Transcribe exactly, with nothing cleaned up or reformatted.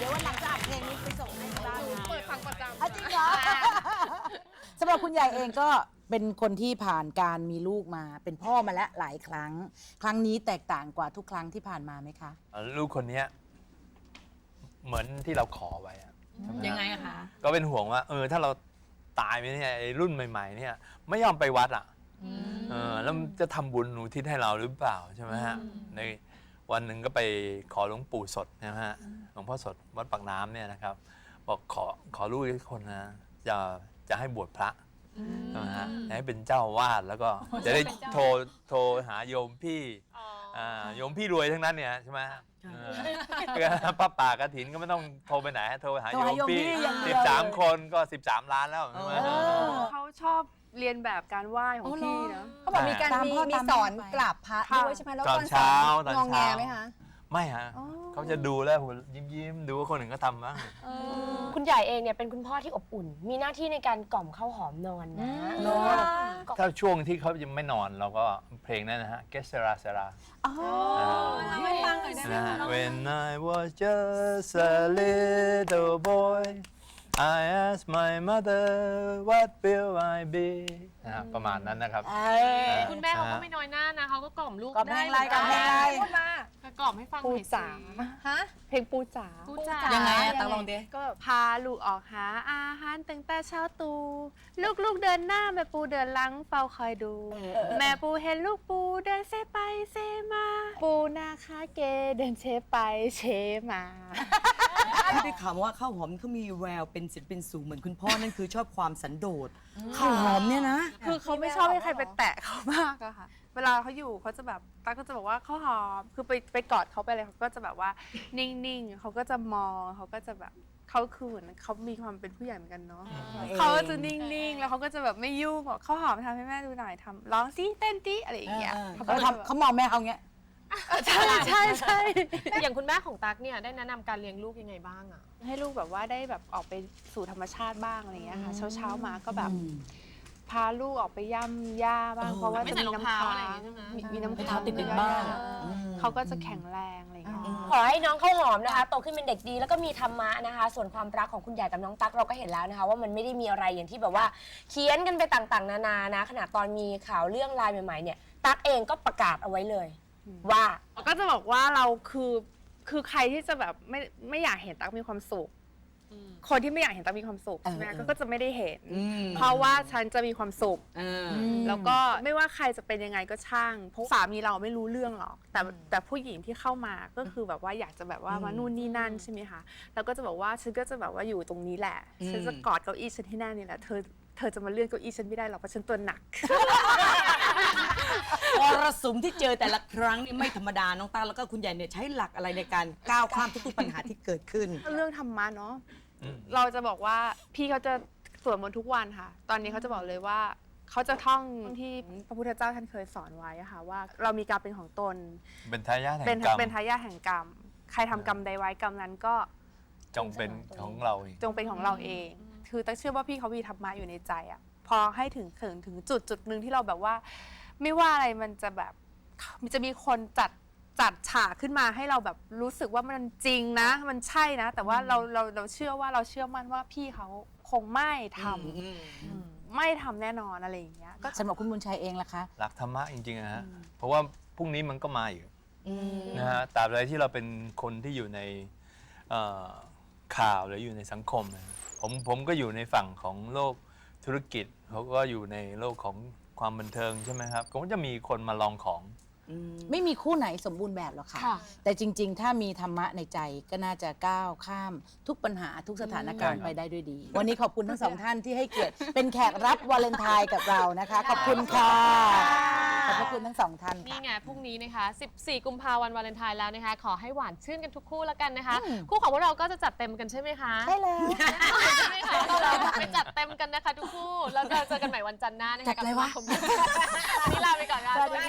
ยววันหลังจะอัดเพลงนี้ไปส่งให้บ้างนะเปิดฟังประจำอ่ะจริงเหรอสำหรับคุณใหญ่เองก็เป็นคนที่ผ่านการมีลูกมาเป็นพ่อมาแล้วหลายครั้ง ครั้งนี้แตกต่างกว่าทุกครั้งที่ผ่านมาไหมคะลูกคนนี้เหมือนที่เราขอไว้อะยังไงอะคะก็เป็นห่วงว่าเออถ้าเราตายไปเนี่ยไอ้รุ่นใหม่ ๆ เนี่ยไม่ยอมไปวัดอ่ะเออแล้วจะทำบุญอุทิศให้เราหรือเปล่าใช่ไหมฮะในวันหนึ่งก็ไปขอหลวงปู่สดนะฮะหลวงพ่อสดวัดปากน้ำเนี่ยนะครับบอกขอขอลูกอีกคนนะจะจะให้บวชพระใช่ไหมฮะให้เป็นเจ้าวาดแล้วก็จะได้โทรโทรหาโยมพี่โยมพี่รวยทั้งนั้นเนี่ยใช่ไหมป้าป่ากระถินก็ไม่ต้องโทรไปไหนโทรหาโยมพี่สิบสามคนก็สิบสามล้านแล้วใช่ไหมเขาชอบเรียนแบบการไหว้ของพี่นะเขาบอกมีการตามมีพ่อมีตามสอนแม่ไปกราบพระค่ะด้วยใช่ไหมแล้วตอนเช้าตอนงองแงเช้าไหมคะไม่ฮะเขาจะดูแล้วยิ้มยิ้มๆดูว่าคนอื่นก็ทำบ้างคุณใหญ่เองเนี่ยเป็นคุณพ่อที่อบอุ่น มีหน้าที่ในการกล่อมข้าวหอมนอนนะนอนถ้าช่วงที่เขายังไม่นอนเราก็เพลงนั้นนะฮะ Get Sera Sera ให้ฟังหน่อยได้ไหมนะฮะคะ When I was just a little boy I asked my mother what will I be นะฮะประมาณนั้นนะครับคุณแม่เขาก็ไม่น้อยหน้านะเขาก็กล่อมลูกกล่อมเพลได้งอะไรกล่อมเพลงอะไรพูดมาก็กล่อมให้ฟังหปูน่อยสิจ๋าฮะเพลงปูจ๋าปูจ๋ายังไงอะตังลองดิก็พาลูกออกหาอาหารตั้งแต่เช้าตูลูกลูกเดินหน้าแม่ปูเดินหลังเฝ้าคอยดู แม่ปูเห็นลูกปูเดินเซไปเซมา ปูหน้าคาเกเดินเชไปเชมาที่ได้ข่าวมาว่าข้าวหอมเขามีแววเป็นศิลปินสูงเหมือนคุณพ่อนั่นคือชอบความสันโดษข้าวหอมเนี่ยนะคือเขาไม่ชอบให้ใครไปแตะเขามากอะค่ะ เวลาเขาอยู่เขาจะแบบตาก็จะบอกว่าเขาหอม คือไปไปกอดเขาไปอะไรเขาก็จะแบบว่านิ่งๆเขาก็จะมองเขาก็จะแบบเขาคือเหมือนเขามีความเป็นผู้ใหญ่เหมือนกันเนาะเขาจะนิ่งๆแล้วเขาก็จะแบบไม่ยุ่งบอกเขาหอมทำให้แม่ดูหน่อยทำร้องสิเต้นดิอะไรอย่างเงี้ยเขาทำเขามองแม่เขาเงี้ยใช่ใช่ใช่อย่างคุณแม่ของตั๊กเนี่ยได้แนะนำการเลี้ยงลูกยังไงบ้างอะให้ลูกแบบว่าได้แบบออกไปสู่ธรรมชาติบ้างอะไรอย่างเงี้ยค่ะ เช้าๆมาก็แบบพาลูกออกไปย่ำหญ้าบ้างเพราะว่าไม่จะใส่มีรองน้ำเท้าค้าอะไรอย่างงงี้ใช่ไหมมีมีน้ำให้ค้างเท้าติดๆบ้างเขาก็จะแข็งแรงอะไรอย่างเงี้ยขอให้น้องข้าวหอมนะคะโตขึ้นเป็นเด็กดีแล้วก็มีธรรมะนะคะ ส่วนความรักของคุณใหญ่กับน้องตั๊กเราก็เห็นแล้วนะคะ ว่ามันไม่ได้มีอะไรอย่างที่แบบว่าเขียนกันไปต่างๆ นานานะขณะตอนมีข่าวเรื่องไลน์ใหม่ๆเนี่ยตั๊กเองก็ประกาศเอาไว้เลย ว่าก็จะบอกว่าเราคือคือใครที่จะแบบไม่ไม่อยากเห็นตั๊กมีความสุข คนที่ไม่อยากเห็นตั๊กมีความสุขใช่ไหมเออเออก็ก็จะไม่ได้เห็นอืมเพราะว่าฉันจะมีความสุขเออแล้วก็ไม่ว่าใครจะเป็นยังไงก็ช่างเพราะสามีเราไม่รู้เรื่องหรอกแต่แต่ผู้หญิงที่เข้ามาก็คือแบบว่าอยากจะแบบว่ามานู่นนี่นั่นใช่ไหมคะแล้วก็จะบอกว่าฉันก็จะแบบว่าอยู่ตรงนี้แหละฉันจะกอดเก้าอี้ฉันที่แน่นี่แหละเธอเธอจะมาเลื่อนเก้าอี้ฉันไม่ได้หรอกเพราะฉันตัวหนักมรสุมที่เจอแต่ละครั้งนี่ไม่ธรรมดาน้องตาแล้วก็คุณใหญ่เนี่ยใช้หลักอะไรในการก้าวข้ามทุกๆปัญหาที่เกิดขึ้นเรื่องธรรมะเนาะเราจะบอกว่าพี่เขาจะสวดมนต์ทุกวันค่ะ ตอนนี้เขาจะบอกเลยว่าเขาจะท่องที่พระพุทธเจ้าท่านเคยสอนไว้อะค่ะว่าเรามีกรรมเป็นของตนเป็นทายาทแห่เป็นงกรรมเป็นทายาทแห่งกรรม ใครทำกรรมใดไว้กรรมนั้นก็จงเป็นของเราเองจงเป็นของเราเอง คือตั้งเชื่อว่าพี่เขามีธรรมะอยู่ในใจอะพอให้ถึงถึงถึงจุดจุดหนึ่งที่เราแบบว่า ไม่ว่าอะไรมันจะแบบมันจะมีคนจัดจัดฉากขึ้นมาให้เราแบบรู้สึกว่ามันจริงนะ มันใช่นะ แต่ว่าเราเราเราเชื่อว่าเราเชื่อมั่นว่าพี่เขาคงไม่ทำไม่ทำแน่นอนอะไรอย่างเงี้ยก็สำหรับคุณบุญชัยเองล่ะคะหลักธรรมะจริงๆนะฮะเพราะว่าพรุ่งนี้มันก็มาอยู่นะฮะตราบใดที่เราเป็นคนที่อยู่ในเอ่อข่าวหรืออยู่ในสังคมนะผมผมก็อยู่ในฝั่งของโลกธุรกิจเขาก็อยู่ในโลกของความบันเทิงใช่ไหมครับก็จะมีคนมาลองของไม่มีคู่ไหนสมบูรณ์แบบหรอกค่ะ แต่จริงๆ ถ้ามีธรรมะในใจก็น่าจะก้าวข้ามทุกปัญหาทุกสถานการณ์ไปได้ด้วยดี วันนี้ขอบคุณทั้งสองท่านที่ให้เกียรติเป็นแขกรับวาเลนไทน์กับเรานะคะ ขอบคุณค่ะ ขอบพระคุณทั้งสองท่านนี่ค่ะไงพรุ่งนี้นะคะสิบสี่กุมภาพันธ์วันวาเลนไทน์แล้วนะคะ ขอให้หวานชื่นกันทุกคู่แล้วกันนะคะ คู่ของพวกเราก็จะจัดเต็มกันใช่ไหมคะใช่แล้วใช่ไหมคะเราไปจัดเต็มกันนะคะทุกคู่แล้วเราเจอกันใหม่วันจันทร์หน้านะคะจัดอะไรวะกับสมาคมวันนี้ลาไปก่อนค่ะสวัสดี